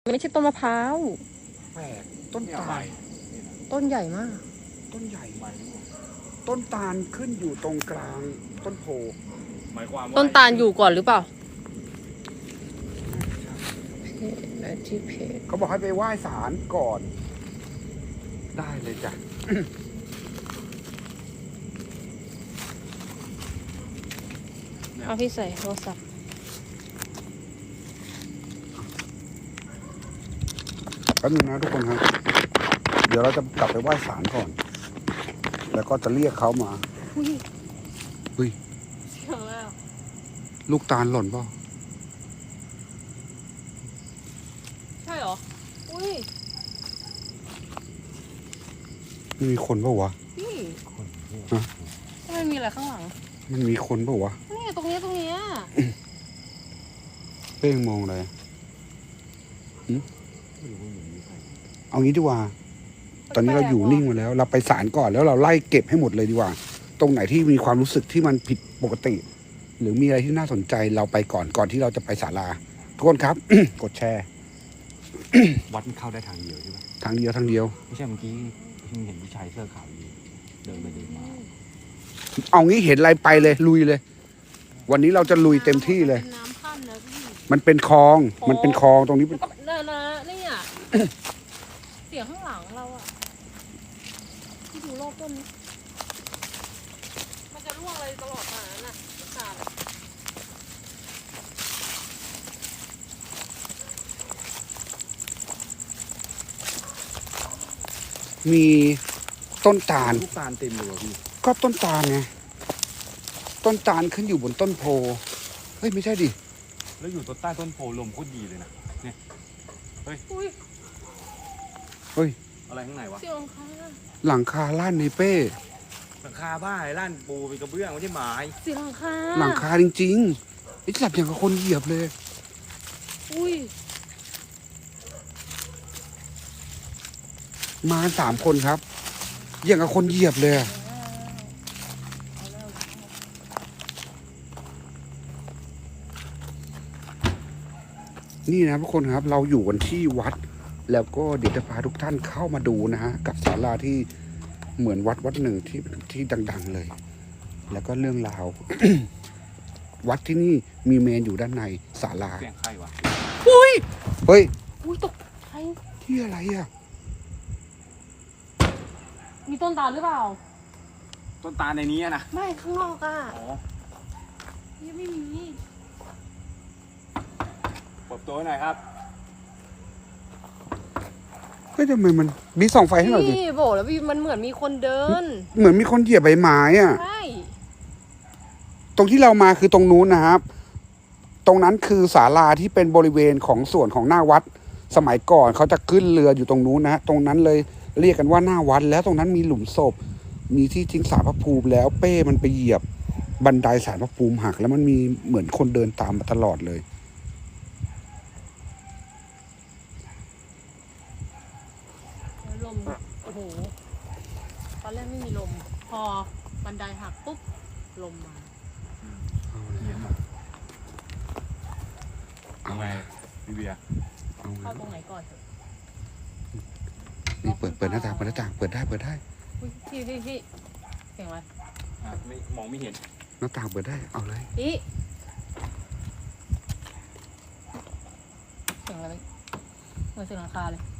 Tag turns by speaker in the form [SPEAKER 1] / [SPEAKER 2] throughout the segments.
[SPEAKER 1] ไม่ใช่ต้นมะพร้าว
[SPEAKER 2] แปลกต้นตาล
[SPEAKER 1] ต้นใหญ่มาก
[SPEAKER 2] ต้นใหญ่ต้นตาลขึ้นอยู่ตรงกลางต้นโพ
[SPEAKER 3] หมายความว่า
[SPEAKER 1] ต้นตาลอยู่ก่อนหรือเปล่าที่เพจ
[SPEAKER 2] เขาบอกให้ไปไหว้ศาลก่อนได้เลยจ้ะ
[SPEAKER 1] เอาพี่ใส่โทรศัพท์
[SPEAKER 2] แป๊บนึงนะทุกคนครับเดี๋ยวเราจะกลับไปไหว้ศาลก่อนแล้วก็จะเรียกเขามาเฮ้ย
[SPEAKER 1] เสียงแล้ว
[SPEAKER 2] ลูกตาลหล่นเปล่า
[SPEAKER 1] ใช่เหรออุ้ย
[SPEAKER 2] มันมีคนเปล่าวะ
[SPEAKER 1] พี่
[SPEAKER 2] ฮะ
[SPEAKER 1] มันมีอะไรข้างหลัง
[SPEAKER 2] มันมีคนเปล่าวะ
[SPEAKER 1] นี่ตรงนี้
[SPEAKER 2] เป้งมองอะไรเอางี้ดีกว่าตอนนี้เราอยู่นิ่งมาแล้วเราไปศาลก่อนแล้วเราไล่เก็บให้หมดเลยดีกว่าตรงไหนที่มีความรู้สึกที่มันผิดปกติ หรือมีอะไรที่น่าสนใจเราไปก่อนที่เราจะไปศาลาทุกคนครับ กดแชร์
[SPEAKER 3] วัดมันเข้าได้ทางเดียวใช่ไหม
[SPEAKER 2] ทางเดียว
[SPEAKER 3] ไม่ใช่เมื่อกี้ที่เห็นผู้ชายเสื้อขาวอยู่เดินไปเดินมา
[SPEAKER 2] เอางี้เห็นอะไรไปเลยลุยเลยวันนี้เราจะลุยเต็มที่เลย
[SPEAKER 1] น้ำพันนะพี่
[SPEAKER 2] มันเป็นคลองตรงนี้เป็น
[SPEAKER 1] เนี่ย เสียงข้างหลังเราอะที่ดูรอบต้นนี้มันจะร่วงอะไรตลอดมาน่ะขาด
[SPEAKER 2] มีต้นตาล
[SPEAKER 3] ลูกตาลเต็มเลยพี่
[SPEAKER 2] ก็ต้นตาลไงต้นตาลขึ้นอยู่บนต้นโพเฮ้ยไม่ใช่ดิ
[SPEAKER 3] แล้วอยู่ต้นใต้ต้นโพลมโคตรดีเลยนะเนี่ยเฮ้ยอะไรข้างในวะ
[SPEAKER 1] เสียงข้าง
[SPEAKER 2] หลังคาล้านในเป้
[SPEAKER 3] หลังคาบ้าไอ้ล้านปูเป็นกระเบื้องไม่ใช่ไม้
[SPEAKER 1] เสียง
[SPEAKER 2] หลังคาจริงๆไอ้จับอย่างกับคนเหยียบเลยมา3 คนครับอย่างกับคนเหยียบเลยนี่นะทุกคนครับเราอยู่กันที่วัดแล้วก็เดี๋ยวจะพาทุกท่านเข้ามาดูนะฮะกับศาลาที่เหมือนวัดหนึ่งที่ดังๆเลย แล้วก็เรื่องราว วัดที่นี่มีเมนอยู่ด้านในศาลา
[SPEAKER 3] เสียงใครวะ
[SPEAKER 2] เฮ้ย
[SPEAKER 1] ตกใคร
[SPEAKER 2] ที่อะไรอ่ะ
[SPEAKER 1] มีต้นตาลหรือเปล่า
[SPEAKER 3] ต้นตาลในนี้นะ
[SPEAKER 1] ไม่ข้างนอกอ่ะยังไม่มี
[SPEAKER 3] เปิดตัวหน่อยครับ
[SPEAKER 2] ก็ทำไมมันมีส่องไฟให้หน่อยดิ
[SPEAKER 1] พี่บอกแล้วพี่มันเหมือนมีคนเดิน
[SPEAKER 2] เหมือนมีคนเหยียบใบไม้อ่ะ
[SPEAKER 1] ใช่
[SPEAKER 2] ตรงที่เรามาคือตรงนู้นนะครับตรงนั้นคือศาลาที่เป็นบริเวณของส่วนของหน้าวัดสมัยก่อนเขาจะขึ้นเรืออยู่ตรงนู้นนะตรงนั้นเลยเรียกกันว่าหน้าวัดแล้วตรงนั้นมีหลุมศพมีที่ทิ้งศาลพระภูมิแล้วเป้มันไปเหยียบบันไดศาลพระภูมิหักแล้วมันมีเหมือนคนเดินตามมาตลอดเลย
[SPEAKER 1] ลมโอ้โหตอนแรกไม่มีลมพอบันไดหักปุ๊บลมมา
[SPEAKER 3] เอาไงพี่เบียร์
[SPEAKER 1] เข้าตรงไหนก่อน
[SPEAKER 2] นี่เปิดหน้าต่างเปิดได้
[SPEAKER 1] พี่เสียงอะไร
[SPEAKER 3] ไม่มองไม่เห็น
[SPEAKER 2] หน้าต่างเปิดได้เอาเลย
[SPEAKER 1] พี่เสียงอะไรเหมือนเสียงหลังคาเลย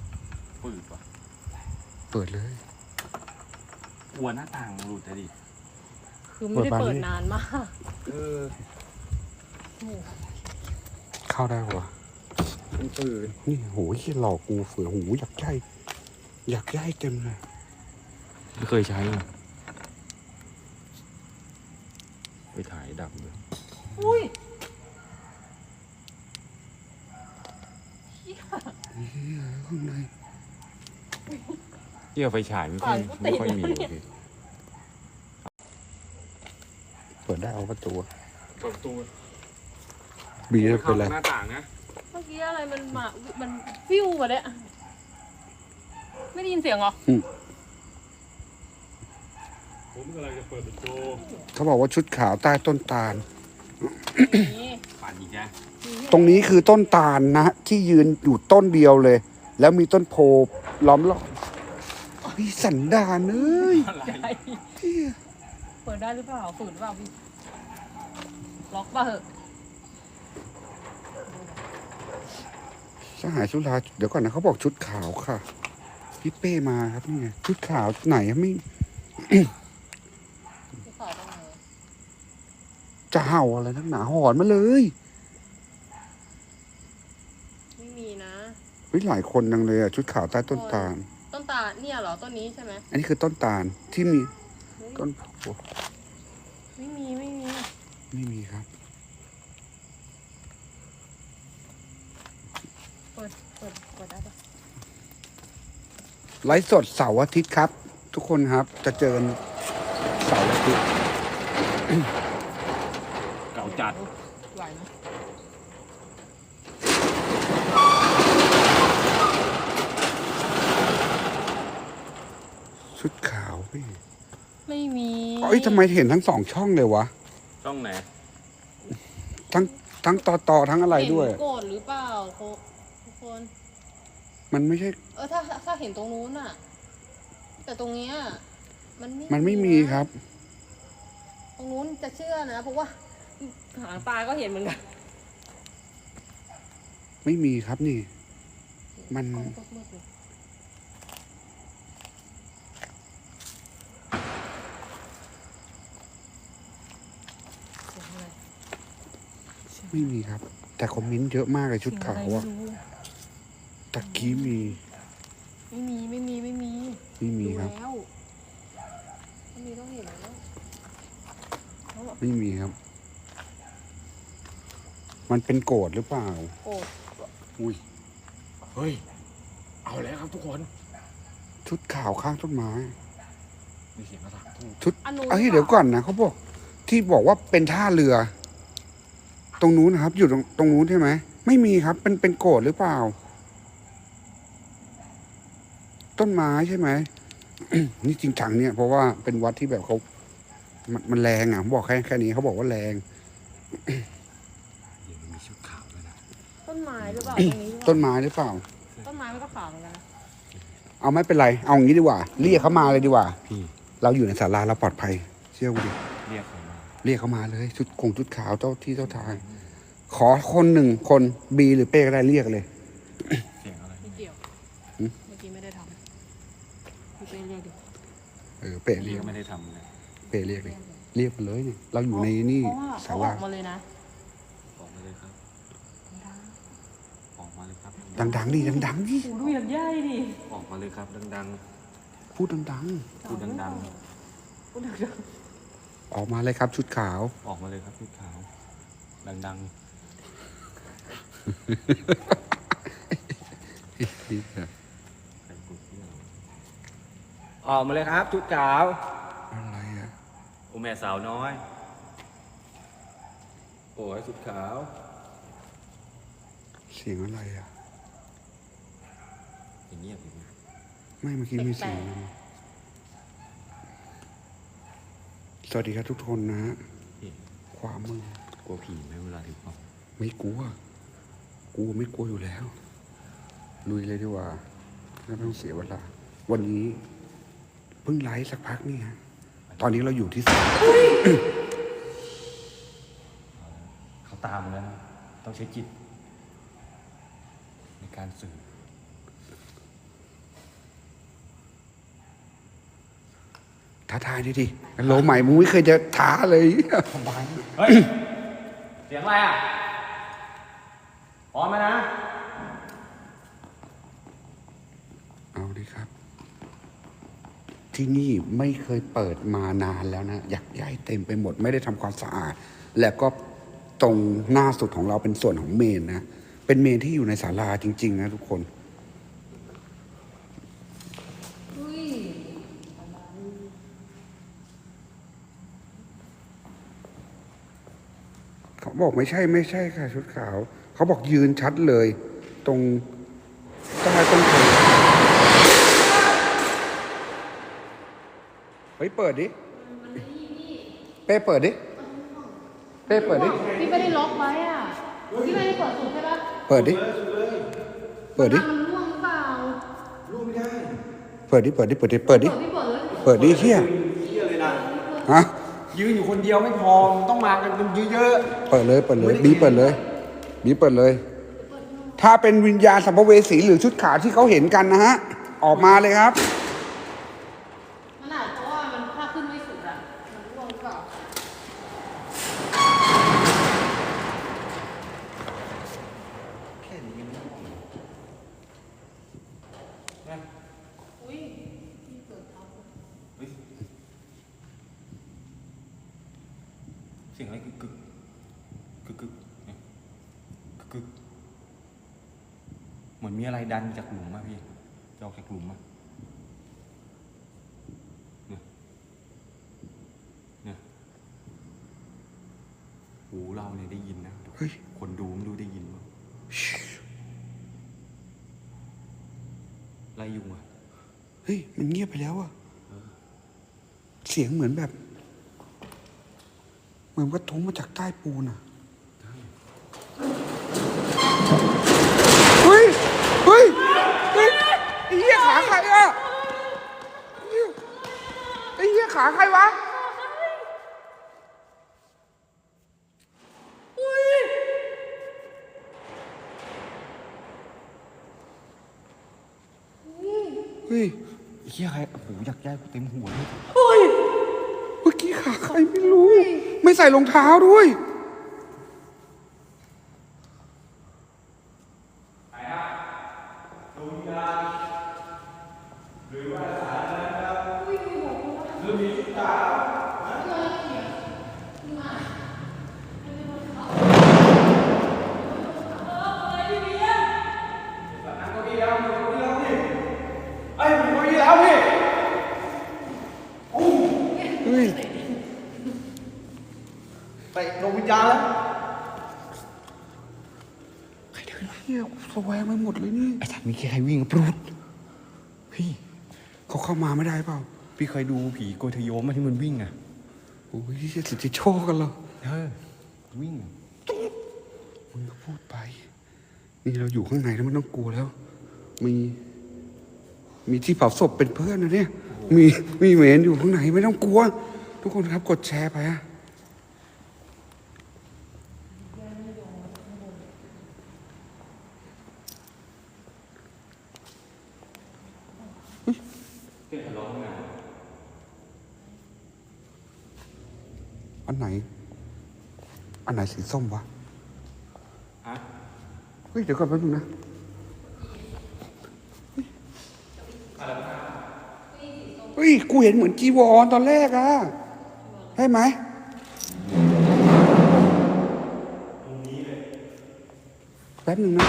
[SPEAKER 2] เปิดเลย
[SPEAKER 3] กลัวหน้าต่างหลุดเลยดิ
[SPEAKER 1] คือไม่ได้เปิดนานมาก
[SPEAKER 2] เข้าได้ปะ
[SPEAKER 3] มันปืน
[SPEAKER 2] นี่โหที่หลอกกูเฟื่อหูอยากย่ายเต็มเลย
[SPEAKER 3] ไม่เคยใช้เลยไปถ่ายดับเลย
[SPEAKER 2] ข้างใน
[SPEAKER 3] เกี่ยวไฟฉายไม่ค่อยมี
[SPEAKER 2] เปิดได้เอาประตู
[SPEAKER 3] บี
[SPEAKER 2] จะเป็นอะไร
[SPEAKER 3] หน้าต่างนะ
[SPEAKER 1] เมื่อกี้อะไรมันฟิวมาเนี่ยไม่ได้ยินเสียงเหรอ
[SPEAKER 3] ผมกำลังจะเปิดประตู
[SPEAKER 2] เขาบอกว่าชุดขาวใต้ต้นตาล
[SPEAKER 1] นี่
[SPEAKER 3] ปั่นอีกแล้ว
[SPEAKER 2] ตรงนี้คือต้นตาลนะที่ยืนอยู่ต้นเดียวเลย แล้วมีต้นโพล้อมรอบพี่สันดานเอ้ย
[SPEAKER 3] อะไร
[SPEAKER 1] ใหญ่เปิดได้หรือเปล่าฝืนหรือเปล่าพี่ล็อกป่ะเหอะ
[SPEAKER 2] สหายสุราเดี๋ยวก่อนนะเขาบอกชุดขาวค่ะ พี่เป้มาครับนี่ไงชุดขาวไหนอะไม่
[SPEAKER 1] พี่ขาวตรงไหน
[SPEAKER 2] จะเห่าอะไรนักหนาหอนมาเลย
[SPEAKER 1] ไม่มีนะ
[SPEAKER 2] เฮ้ยหลายคนจังเลยอะชุดขาวใต้ต้นตาล
[SPEAKER 1] ต้นตาลเนี่ยเหรอต้นนี้ใช่ไหม
[SPEAKER 2] อันนี้คือต้นตาลที่มี
[SPEAKER 1] เฮ้ย
[SPEAKER 2] ต้นโพ
[SPEAKER 1] ไม่มีไม่มี
[SPEAKER 2] ไม่มีครับ
[SPEAKER 1] เปิดได้ปะ
[SPEAKER 2] ไลฟ์สดเสาร์อาทิตย์ครับ ทุกคนครับจะเจอกันเสาร์อาทิตย์
[SPEAKER 3] เก่าจัด
[SPEAKER 1] ไหวไหม
[SPEAKER 2] ชุดขาวพี่
[SPEAKER 1] ไม่มี
[SPEAKER 2] เอ้ยทำไมเห็นทั้งสองช่องเลยวะ
[SPEAKER 3] ช่องไหน
[SPEAKER 2] ทั้งต่อทั้งอะไรด้วย
[SPEAKER 1] เห็นโกรธหรือเปล่าทุกคน
[SPEAKER 2] มันไม่ใช่
[SPEAKER 1] ถ้าเห็นตรงนู้นอะแต่ตรงเนี้ยมัน
[SPEAKER 2] มันไม่มี
[SPEAKER 1] นะครับ
[SPEAKER 2] ครับ
[SPEAKER 1] ตรงนู้นจะเชื่อนะเพราะว่าหางตาก็เห็นเหมือนกัน
[SPEAKER 2] ไม่มีครับนี่ มัน
[SPEAKER 1] กล้องก็มืดเลยเสียงอะไร
[SPEAKER 2] ไม่มีครับ แต่คอมเมนต์เยอะมากเลยชุดขาวอะ
[SPEAKER 1] เสียงไรไม่รู้
[SPEAKER 2] ตะกี้มี
[SPEAKER 1] ไม่มี
[SPEAKER 2] ไม่มี
[SPEAKER 1] ดู
[SPEAKER 2] ครับ
[SPEAKER 1] แล้วต้องมีต้องเห็นแล้วเขาบอก
[SPEAKER 2] ไม่มีครับ มันเป็นโกรธหรือเปล่า
[SPEAKER 1] โกรธ
[SPEAKER 2] อุ้ย
[SPEAKER 3] เฮ้ย เอาแล้วครับทุกคน
[SPEAKER 2] ชุดขาวข้างต้นไม้
[SPEAKER 3] มีเสียงกระถางทูบ
[SPEAKER 2] ชุด
[SPEAKER 1] อันนู้น
[SPEAKER 2] เอ้ยเดี๋ยวก่อนนะเขาบอกที่บอกว่าเป็นท่าเรือ ตรงนู้นนะครับ อยู่ตรงนู้นใช่ไหมไม่มีครับเป็นโกรธหรือเปล่า ต้นไม้ใช่ไหม นี่จริงจังเนี่ย เพราะว่าเป็นวัดที่แบบเขามันแรงอ่ะผมบอกแค่นี้เขาบอกว่าแรง
[SPEAKER 3] เดี๋ยวมันมีชุดขาวด้วยนะ
[SPEAKER 1] ต้นไม้หรือเปล่าตรงนี้
[SPEAKER 2] ต้นไม้หรือเปล่า
[SPEAKER 1] ต้นไม้มันก็ขาวเหมือนกันนะ
[SPEAKER 2] เอาไม่เป็นไร เอางี้ดีกว่า เรียกเขามาเลยดีกว่า
[SPEAKER 3] พี่
[SPEAKER 2] เราอยู่ในศาลาเราปลอดภัย เชื่อกูดิ
[SPEAKER 3] เรียกใครมา
[SPEAKER 2] เรียกเขามาเลย ชุดขาวเจ้าที่เจ้าทาง ขอคนหนึ่งคนบีหรือเป้ก็ได้เรียกเลย
[SPEAKER 3] เสียงอะไร
[SPEAKER 1] ไม่เกี่ยว
[SPEAKER 2] หืม
[SPEAKER 1] เมื่อกี้ไม่ได้ทำพี่เป้เรียกดิ
[SPEAKER 2] เป้เรี
[SPEAKER 3] เรี
[SPEAKER 2] ย
[SPEAKER 3] ย
[SPEAKER 2] ก
[SPEAKER 3] กไม่ได้ทำเลย
[SPEAKER 2] เป้เรียกเลย เรียกมาเลยเนี่ยเราอยู่ในนี่
[SPEAKER 1] เพราะว่า
[SPEAKER 2] ศา
[SPEAKER 1] เขาอ
[SPEAKER 2] ลา
[SPEAKER 1] อกมาเลยนะ
[SPEAKER 3] ออกมาเลยครับออกมาเลยครับ
[SPEAKER 2] ดังๆดิดังๆดิ
[SPEAKER 1] ดูอย่างใหญ่ดิ
[SPEAKER 3] ออกมาเลยครับดัง
[SPEAKER 2] พูดดัง
[SPEAKER 3] ๆพูดดัง
[SPEAKER 1] พูดดัง
[SPEAKER 2] ๆออกมาเลยครับ ชุดขาว
[SPEAKER 3] ๆออกมาเลยครับชุดขาว ดังๆใครกดที่เรา
[SPEAKER 4] ออกมาเลยครับชุดขาว
[SPEAKER 2] อะไรอะ
[SPEAKER 3] โอแม่สาวน้อย
[SPEAKER 4] โอ้ยชุดขาว
[SPEAKER 2] เสียงอะไรอะ
[SPEAKER 3] อย่างเงียบอยู่นะ
[SPEAKER 2] ไม่เมื่อกี้มีเสียงอะไรสวัสดีครับทุกคนนะฮะ
[SPEAKER 3] พี่
[SPEAKER 2] ความมือก
[SPEAKER 3] ลัวผีไหมเวลาถือกล้อง
[SPEAKER 2] ไม่กลัวกูไม่กลัวอยู่แล้ว ลุยเลยดีกว่าไม่ต้องเสียเวลา วันนี้เพิ่งไลฟ์สักพักนี่ฮะตอนนี้เราอยู่ที่ศาล
[SPEAKER 3] เขาตามมาแล้วนะต้องใช้จิต ในการสื่อ
[SPEAKER 2] ท้าทายดิดิโลใหม่มึงไม่เคยจะท้าเลย
[SPEAKER 4] เฮ้ย เสียงอะไรอ่ะพร้อมไหมนะ
[SPEAKER 2] เอาดิครับ ที่นี่ไม่เคยเปิดมานานแล้วนะอยากใหญ่เต็มไปหมด ไม่ได้ทำความสะอาด แล้วก็ตรงหน้าสุดของเราเป็นส่วนของเมนนะ เป็นเมนที่อยู่ในศาลาจริง ๆ นะทุกคน เขาบอกไม่ใช่ค่ะ ชุดขาว เขาบอกยืนชัดเลย ตรงใต้ต้นโพเฮ้ยเปิดดิ เป้เปิดดิ เป้เปิดดิ
[SPEAKER 1] ๆไว้อ่ะที่ไม่ได้เปิดสุดใช่ปะ
[SPEAKER 2] เปิดดิ เปิดดิ
[SPEAKER 1] มันร่วงหรือเปล่า
[SPEAKER 2] เปิดดิ เปิดดิ เปิดดิ เปิดดิ
[SPEAKER 1] พี่เปิดเลย
[SPEAKER 2] เปิดดิเฮีย
[SPEAKER 3] เที่ยเลยนะ
[SPEAKER 2] ฮะ
[SPEAKER 3] ยืนอยู่คนเดียวไม่พอมันต้องมากันเป็นเยอะ
[SPEAKER 2] เปิดเลย เปิดเลยบีเปิดเลยบีเปิดเลย ถ้าเป็นวิญญาณสัมภเวสีหรือชุดขาวที่เขาเห็นกันนะฮะ ออกมาเลยครับ
[SPEAKER 1] มันอาจเพราะว่ามันถ้าขึ้นไม่สุดอ่ะมันร่วงหรือเปล่า
[SPEAKER 3] ๆแค่นี้ยังไม่พอ
[SPEAKER 1] อุ้ยพี่เปิดท็อป
[SPEAKER 3] เฮ้ยเสียงอะไรกึกกึกกึกกึกเนี่ยกึกกึกเหมือนมีอะไรดันจากหลุมอะพี่จะออกจากหลุมอะเนี่ยเนี่ยหูเราเนี่ยได้ยินนะ
[SPEAKER 2] เฮ้ย
[SPEAKER 3] คนดูไม่รู้ได้ยินมั้ยไรยุงอะ
[SPEAKER 2] เฮ้ย มันเงียบไปแล้วอะเสียงเหมือนแบบ เหมือนกระทุ้งมาจากใต้ปูนอะเฮ้ย เฮ้ย เฮ้ย ไอ้เหี้ยขาใครอะไอ้เหี้ยขาใครวะ เฮ้ย
[SPEAKER 3] เฮียใครโอ้โหอยากแย่กูเต็มหัวเลย
[SPEAKER 2] เมื่อกี้ขาใครไม่รู้ ไม่ใส่รองเท้าด้วย เฮ้ย
[SPEAKER 3] ไปดวงวิญญาณแล้ว
[SPEAKER 2] ใครเดินเฮียกูสแวงไปหมดเลยนี่
[SPEAKER 3] ไอ้สัตว์มีใครวิ่งปรุดพี่
[SPEAKER 2] เขาเข้ามาไม่ได้เปล่า
[SPEAKER 3] พี่เคยดูผีโกยทะโยมมาที่มันวิ่งอะ
[SPEAKER 2] โอ้ยจะสิทธิโชคกันเหรอ
[SPEAKER 3] วิ่งอะ
[SPEAKER 2] มึงก็พูดไป นี่เราอยู่ข้างในแล้วไม่ต้องกลัวแล้ว มีที่เผาศพเป็นเพื่อนนะเนี่ย มีเมนอยู่ข้างในไม่ต้องกลัว ทุกคนครับกดแชร์ไปอะ
[SPEAKER 3] เสียงทะเลาะกัน
[SPEAKER 2] อันไหนสีส้มวะ
[SPEAKER 3] ฮะ
[SPEAKER 2] เฮ้ยเดี๋ยวก่อนแป๊บนึงนะเฮ้ยกูเห็นเหมือนจีวรตอนแรกอะใช่ไหมแป๊บนึงนะ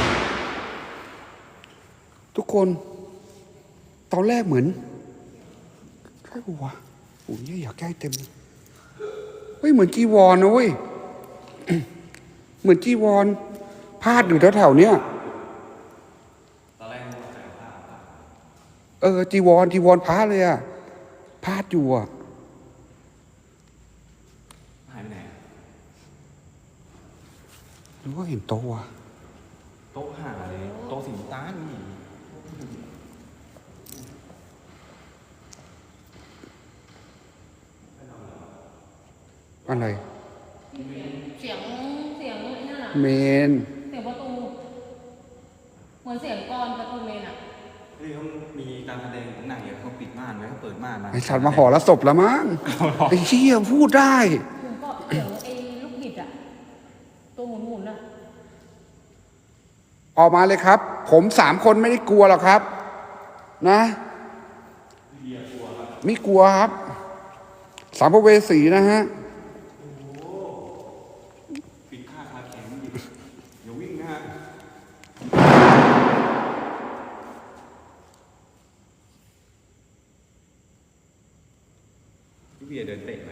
[SPEAKER 2] ทุกคน ตอนแรกเหมือนใช่ปะวะโอ้ยอยากใกล้เต็มเฮ้ยเหมือนจีวรนะเว้ย เหมือนจีวรพาดอยู่แถวๆเนี้ย
[SPEAKER 3] ตอนแรกใส่ผ้า
[SPEAKER 2] จีวรพระเลยอะพาดอยู่อะ
[SPEAKER 3] หายไปไหนอะ
[SPEAKER 2] หรือว่าเห็นโต๊ะวะ
[SPEAKER 3] โต๊ะหาเลยโต๊ะสีน้ำตาลนี่
[SPEAKER 2] อะไร
[SPEAKER 1] เสียงไอ้นั่นอ่ะ
[SPEAKER 2] เมน
[SPEAKER 1] เสียงประตู เหมือนเสียงกลอนประตูเมนอ่ะ
[SPEAKER 3] นี่เขามีการแสดงของหนังเนี่ยเขาปิดม่านไว้เขาเปิดม่านมา
[SPEAKER 2] ไอสัตว์มาห่อละศพละมั้งไอ้เชี่ยพูดได้
[SPEAKER 1] เสียงก็เสียงไอ้ลูกบิดอ่ะ ตัวหมุนๆอ่ะ
[SPEAKER 2] ออกมาเลยครับ ผม3 คนไม่ได้กลัวหรอกครับ นะไม่กลัวครับสัมภเวสีนะฮะ
[SPEAKER 3] ปิดค่าคาแข็งดิอย่าวิ่งนะฮะพี่เบียร์เดินเตะไหม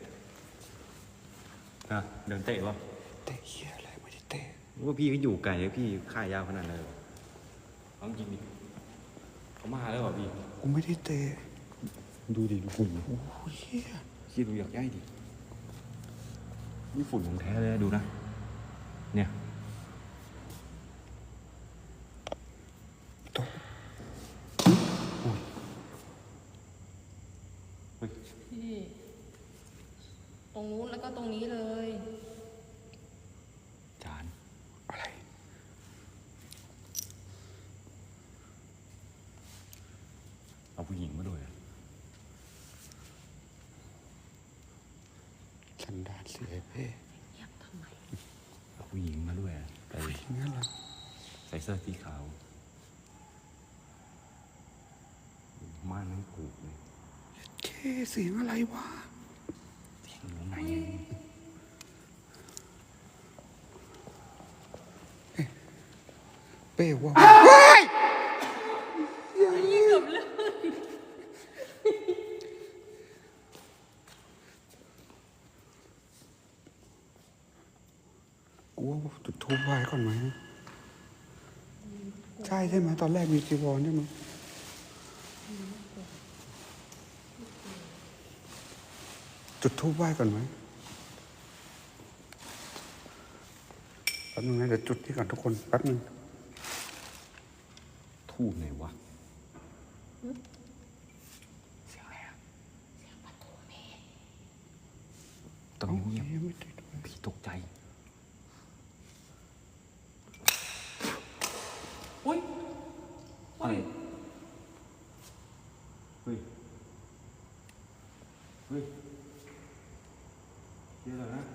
[SPEAKER 3] อ่ะเดินเตะวะ
[SPEAKER 2] เตะเชี่ยอะไรไม่ได้เตะ
[SPEAKER 3] ว่าพี่ก็อยู่ไกลเลยพี่ค่ายาวขนาดนั้นเลยเอาจริงดิเขามาแล้วเหรอพี่
[SPEAKER 2] กูไม่ได้เตะ
[SPEAKER 3] ดูดิดูฝุ่น
[SPEAKER 2] โอ้ยเชี่ย
[SPEAKER 3] คิดดูอยากย่ายดินี่ฝุ่นของแท้เลยนะดูนะ
[SPEAKER 4] เนี่ย
[SPEAKER 2] ตก
[SPEAKER 1] พี่ตรงนู้นแล้วก็ตรงนี้เลย
[SPEAKER 4] จาน
[SPEAKER 2] อะไร
[SPEAKER 4] เอาผู้หญิงมาด้วยอะ
[SPEAKER 2] สันดานเสียเพ่
[SPEAKER 1] เงียบทำไม
[SPEAKER 4] เอาผู้หญิงมาด้วยอะใส่
[SPEAKER 2] งั้นเหรอ
[SPEAKER 4] ใส่เสื้อสีขาวม่านนั่งกูกเลย
[SPEAKER 2] เคเสียงอะไรวะ
[SPEAKER 4] เสียงอยู่ไหน
[SPEAKER 2] เป้ว่าเฮ้ย
[SPEAKER 1] นี่เกือบเลย
[SPEAKER 2] กูว่าจุดทูบไหว้ก่อนไหมใช่ใช่ไหมตอนแรกมีจีวรใช่ไหมจุดทูบไหว้ก่อนไหมแป๊บนึงนะเดี๋ยวจุดที่ก่อนทุกคนแป๊บนึง
[SPEAKER 4] ทูบไหนวะเสียงอะไรอะตรง
[SPEAKER 2] เอ้า
[SPEAKER 4] นี้เงียบ
[SPEAKER 2] ยังไม่ติดเลย
[SPEAKER 4] พี่ตกใจ
[SPEAKER 1] อุ้ย
[SPEAKER 4] อะไรเฮ้ยเฮ้ยเดี๋ยวนะ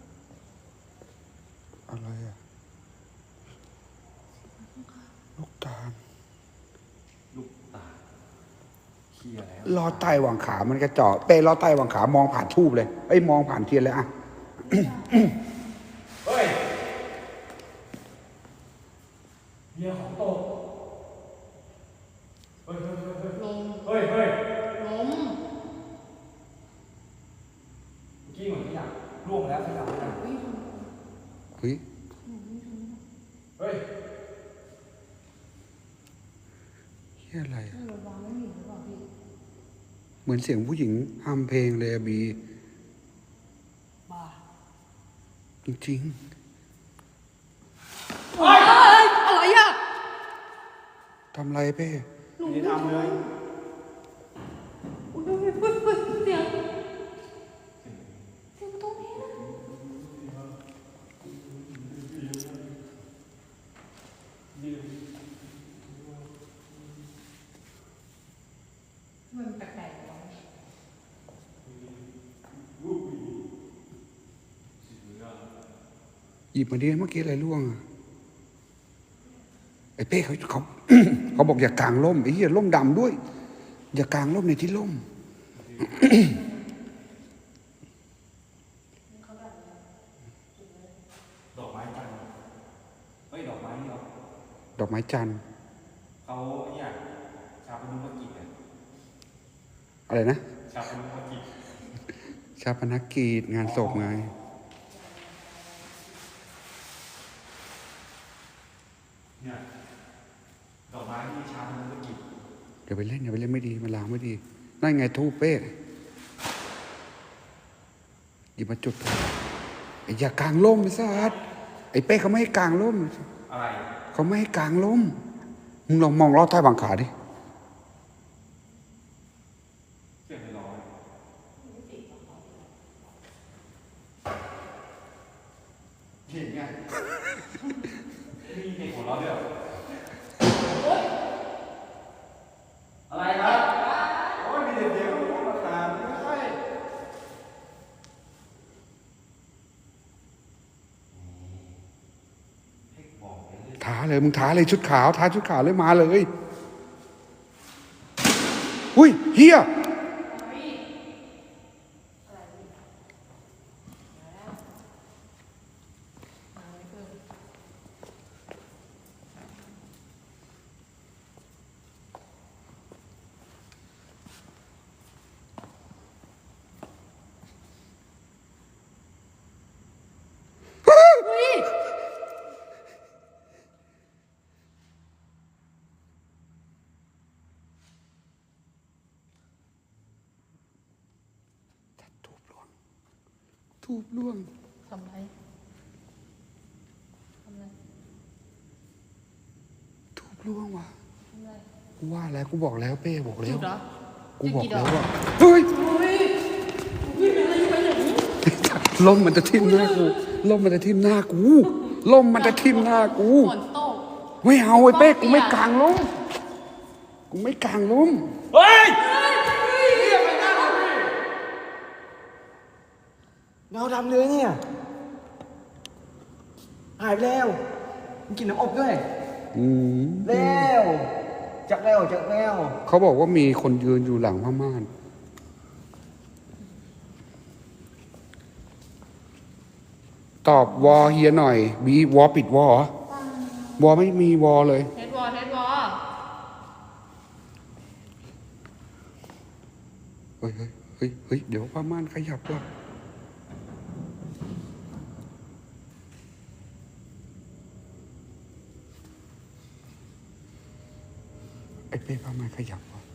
[SPEAKER 2] อะไรอ่ะลูกตาล
[SPEAKER 4] ลูกตาเคียแล้ว
[SPEAKER 2] ลอดใต้หว่างขามันกระเจาะเป้ลอดใต้หว่างขามองผ่านทูบเลยเอ้ยมองผ่านเทียนเลยอ่ะ
[SPEAKER 4] เฮ้ยเหี้ยของตกเฮ้ย
[SPEAKER 1] ลม
[SPEAKER 4] เฮ้ยเฮ้ย
[SPEAKER 1] ลม
[SPEAKER 4] เมื่อกี้เหมือนขยะร่วงแล้วขยะนะ
[SPEAKER 1] อุ้ย
[SPEAKER 2] เฮ้ย
[SPEAKER 4] เฮ้ย
[SPEAKER 2] เฮียอะไรอะ
[SPEAKER 1] เราวางไม่มีหรือเปล่าพี่
[SPEAKER 2] เหมือนเสียงผู้หญิงฮัมเพลงเลยอะบี
[SPEAKER 1] บ้า
[SPEAKER 2] จริง
[SPEAKER 1] เฮ้ยอะไรอ่ะ
[SPEAKER 2] ๆทำไรเป้
[SPEAKER 4] ไม่ได้ทำเลย
[SPEAKER 1] อุ้ยเสียงประตูนี้นะมันแปลกๆวะ
[SPEAKER 2] หยิบมาดิเมื่อกี้อะไรร่วงอะไอ้เป้เขา เขาบอกอย่ากางร่มไอ้เหี้ยร่มดำด้วย อย่ากางร่มในที่ร่ม
[SPEAKER 4] ดอกไม้จันทร์เฮ้ย ดอกไม้นี่เหรอ
[SPEAKER 2] ดอกไม้จันทร์
[SPEAKER 4] เขาเนี่ยชาปนุกิจเนี่ย
[SPEAKER 2] อะไรนะ
[SPEAKER 4] ชาปนุกิจ
[SPEAKER 2] ชาปนกิจงานศพไง
[SPEAKER 4] เนี่ยดอกไม้ที่ชาปนุกิจ
[SPEAKER 2] อย่าไปเล่นอย่าไปเล่นไม่ดีมันลางไม่ดีนั่นไงทูบเป้หยิบมาจุดไอ้อย่ากางร่มไอ้สัสไอ้เป้เขาไม่ให้กางร่ม
[SPEAKER 4] อะไร
[SPEAKER 2] เขาไม่ให้กางร่มมึงลองมองลอดใต้บังขาดิ
[SPEAKER 4] เสียงไม่ร้อนเห็นไงมีเด็กหัวเราะด้วยเหรออะไรครับโอ้ยมีเด็กเดียวมาถามไม่ใช่
[SPEAKER 2] ท้าเลยมึงท้าเลยชุดขาวท้าชุดขาวเลยมาเลยอุ้ยเฮียทูบล่วง
[SPEAKER 1] ทำไร
[SPEAKER 2] ล่วงว่ะกูว่าแล้วกูบอกแล้วเป้บอกแล้ว
[SPEAKER 1] จุดเหรอ
[SPEAKER 2] กูบอก
[SPEAKER 1] จุดกี่ด
[SPEAKER 2] แล้
[SPEAKER 1] อ
[SPEAKER 2] ว
[SPEAKER 1] ก
[SPEAKER 2] ว่าเฮ้ย
[SPEAKER 1] วิ่งอะไรไปไหน
[SPEAKER 2] ลมมันจะทิ่มหน้ากูลมมันจะทิ่มหน้ากูลมมันจะทิ่มหน้ากู
[SPEAKER 1] ฝนตก
[SPEAKER 2] ไม่เอาไอ้เป้กูไม่กลางลมกูไม่กลางลม
[SPEAKER 4] เฮ้ย
[SPEAKER 5] เงาดำเลยเนี่ย หายไปแล้วมันกินน้ำอบด้วย แล้วจักแล้วจักแล้ว
[SPEAKER 2] เขาบอกว่ามีคนยืนอยู่หลังผ้าม่านตอบวอเฮียหน่อยบีวอปิดวอเหรอวอไม่มีวอเลย
[SPEAKER 1] เทสวอลเทสวอล
[SPEAKER 2] เฮ้ยเฮ้ยเฮ้ยเดี๋ยวผ้าม่านขยับว่ะไอ้เป้ผ้าม่านขยับว่ะ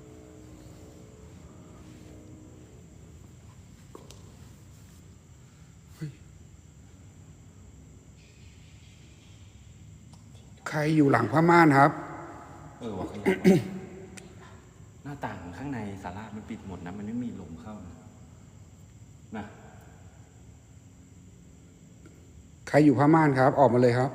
[SPEAKER 2] เฮ้ยใครอยู่หลังผ้าม่านครับ
[SPEAKER 4] ว่ะขยับ หน้าต่างข้างในศาลามันปิดหมดนะ มันไม่มีลมเข้านะ
[SPEAKER 2] ใครอยู่ผ้าม่านครับ ออกมาเลยครับ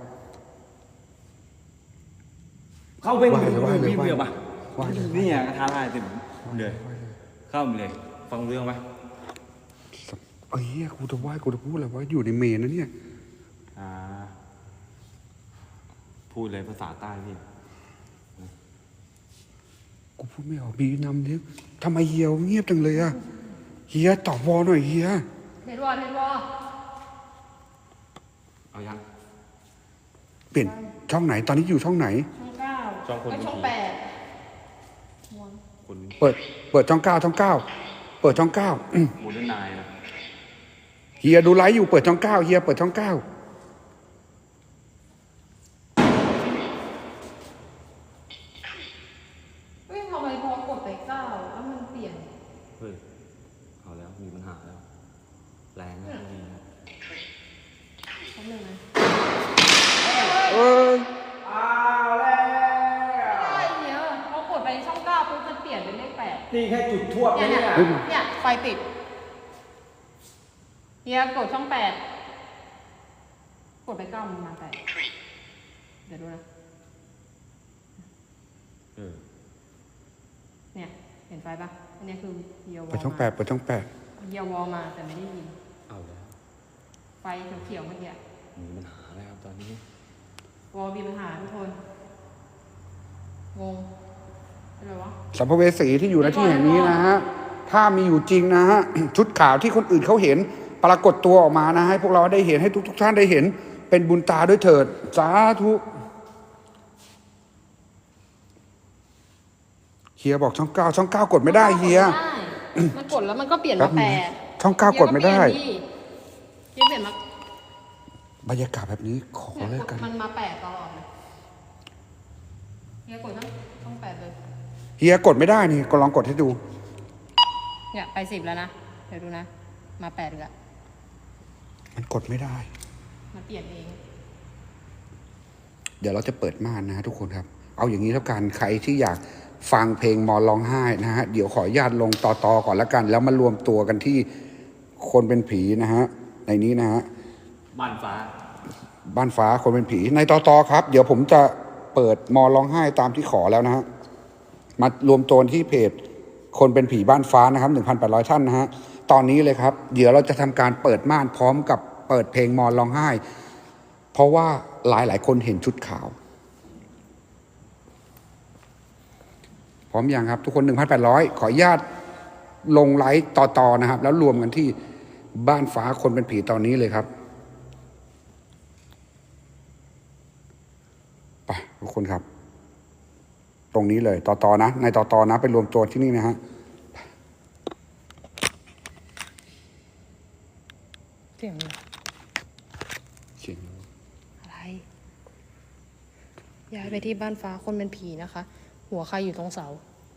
[SPEAKER 4] เข้าไป
[SPEAKER 2] ว่าเลยว่าเลย
[SPEAKER 4] พี่เบื่อปะ
[SPEAKER 2] ว่าเลย
[SPEAKER 4] นี่ไงกระทะลายเต็มเลย เข้ามาเลย ฟังเรื่องปะ
[SPEAKER 2] เอ้ยกูจะว่ากูจะพูดอะไรว่าอยู่ในเมนนะเนี่ย
[SPEAKER 4] อ่า พูดเลยภาษาใต้พี่
[SPEAKER 2] กูพูดไม่ออกบีนำเนี่ยทำไมเฮียเงียบจังเลยอะเฮียตอบวอหน่อยเฮีย
[SPEAKER 1] เทสวอลเทสวอล
[SPEAKER 4] เอายัง
[SPEAKER 2] เปลี่ยนช่องไหนตอนนี้อยู่ช่องไหน
[SPEAKER 1] ช่องเก้า
[SPEAKER 4] ช่องคน
[SPEAKER 1] เอ้ยช่อง
[SPEAKER 4] ดี
[SPEAKER 1] แปด
[SPEAKER 4] คน
[SPEAKER 2] เปิดช่องเก้าช่องเก้าเปิดช่องเก้า
[SPEAKER 4] โมเดิร์นไนน์นะ
[SPEAKER 2] เฮียดูไลฟ์อยู่เปิดช่องเก้าเฮียเปิดช่องเก้า
[SPEAKER 1] เฮ้ยทำไมพอกดไปเก้าแล้วมันเปลี่ยน
[SPEAKER 4] เฮ้ย เอาแล้ว มีปัญหาแล้ว แรงนะพวกนี้นะ
[SPEAKER 1] แป๊บนึงนะ
[SPEAKER 2] เออ
[SPEAKER 1] อะไรเนี่ยพอกดไปช่องเก้าปุ๊บมันเปลี่ยนเป็นเลขแปด
[SPEAKER 5] นี่แค่จุดทั่วไป
[SPEAKER 1] เนี่ย
[SPEAKER 5] เนี่ย
[SPEAKER 1] เนี่ยไฟติดเฮียกดช่องแปดกดไปเก้ามันมาแปดเดี๋ยวดูนะ
[SPEAKER 4] เออ
[SPEAKER 1] เนี่ยเห็นไฟปะอันนี้คือเฮียวอล
[SPEAKER 2] เปิดช่องแปดเปิดช่องแปด
[SPEAKER 1] เฮียวอลมาแต่ไม่ได้ยิน
[SPEAKER 4] เอาแล้ว
[SPEAKER 1] ไฟเขียวๆเมื่อกี้
[SPEAKER 4] มีปัญหาแล้วครับตอนนี้
[SPEAKER 1] วอลมีปัญหาทุกคนงงอะไรวะ
[SPEAKER 2] สัมภเวสีที่อยู่ในที่แห่งนี้นะฮะถ้ามีอยู่จริงนะฮะ ชุดขาวที่คนอื่นเขาเห็น ปรากฏตัวออกมานะให้พวกเราได้เห็นให้ทุกท่านได้เห็น เป็นบุญตาด้วยเถิดสาธุเฮียบอกช่องเก้าช่องเก้ากดไม่ได้เฮีย
[SPEAKER 1] มันกดแล้วมันก็เปลี่ยน
[SPEAKER 2] แป๊
[SPEAKER 1] มา
[SPEAKER 2] บนึ
[SPEAKER 1] แป
[SPEAKER 2] ง
[SPEAKER 1] ด
[SPEAKER 2] ช่องเก้ากดไม่ได้
[SPEAKER 1] เฮียเปลี่ยนมา
[SPEAKER 2] บรรยากาศแบบนี้ขอเลยกัน
[SPEAKER 1] มันมาแปดตลอดเลยเฮียกดช่องแปดเลย
[SPEAKER 2] เฮียกดไม่ได้นี่ก็ลองกดให้ดู
[SPEAKER 1] เนี่ยไป10แล้วนะเดี๋ยวดูนะมา8อีกแล้ว
[SPEAKER 2] มันกดไม่ได้
[SPEAKER 1] มันเปลี่ยนเอง
[SPEAKER 2] เดี๋ยวเราจะเปิดม่านนะฮะทุกคนครับ เอาอย่างนี้แล้วกันใครที่อยากฟังเพลงมอนร้องไห้นะฮะเดี๋ยวขออนุญาตลงต่อก่อนแล้วกัน แล้วมารวมตัวกันที่คนเป็นผีนะฮะในนี้นะฮะ
[SPEAKER 4] บ้านฟ้า
[SPEAKER 2] บ้านฟ้าคนเป็นผีในต่อครับ เดี๋ยวผมจะเปิดมอนร้องไห้ตามที่ขอแล้วนะฮะมารวมตัวที่เพจคนเป็นผีบ้านฟ้านะครับ 1,800 ท่านนะฮะตอนนี้เลยครับ เดี๋ยวเราจะทำการเปิดม่านพร้อมกับเปิดเพลงมอนร้องไห้ เพราะว่าหลายคนเห็นชุดขาว พร้อมยังครับ ทุกคน 1,800 ขออนุญาตลงไลฟ์ต่อนะครับ แล้วรวมกันที่บ้านฟ้าคนเป็นผีตอนนี้เลยครับไปทุกคนครับ ตรงนี้เลยต่อนะในต่อนะไปรวมตัวที่นี่นะฮะ
[SPEAKER 1] เสียงอะไร
[SPEAKER 2] เสียง
[SPEAKER 1] อะไรย้ายไปที่บ้านฟ้าคนเป็นผีนะคะ หัวใครอยู่ตรงเสา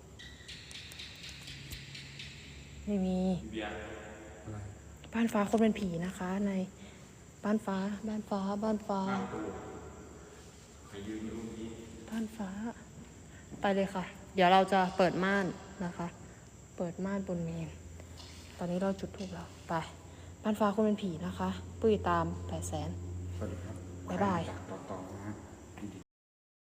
[SPEAKER 1] ไม่มีบ้านฟ้าคนเป็นผีนะคะ ในบ้านฟ้าบ้านฟ้าบ้านฟ้าบ้บ้านฟ้า ไปเลยค่ะ เดี๋ยวเราจะเปิดม่านนะคะ เปิดม่านบนเมน ตอนนี้เราจุดธูปแล้วไป บ้านฟ้าคนเป็นผีนะคะ ปุ้ยตาม800,000
[SPEAKER 2] สวัสดีครับ
[SPEAKER 1] บ๊ายบาย
[SPEAKER 2] ต่อนะ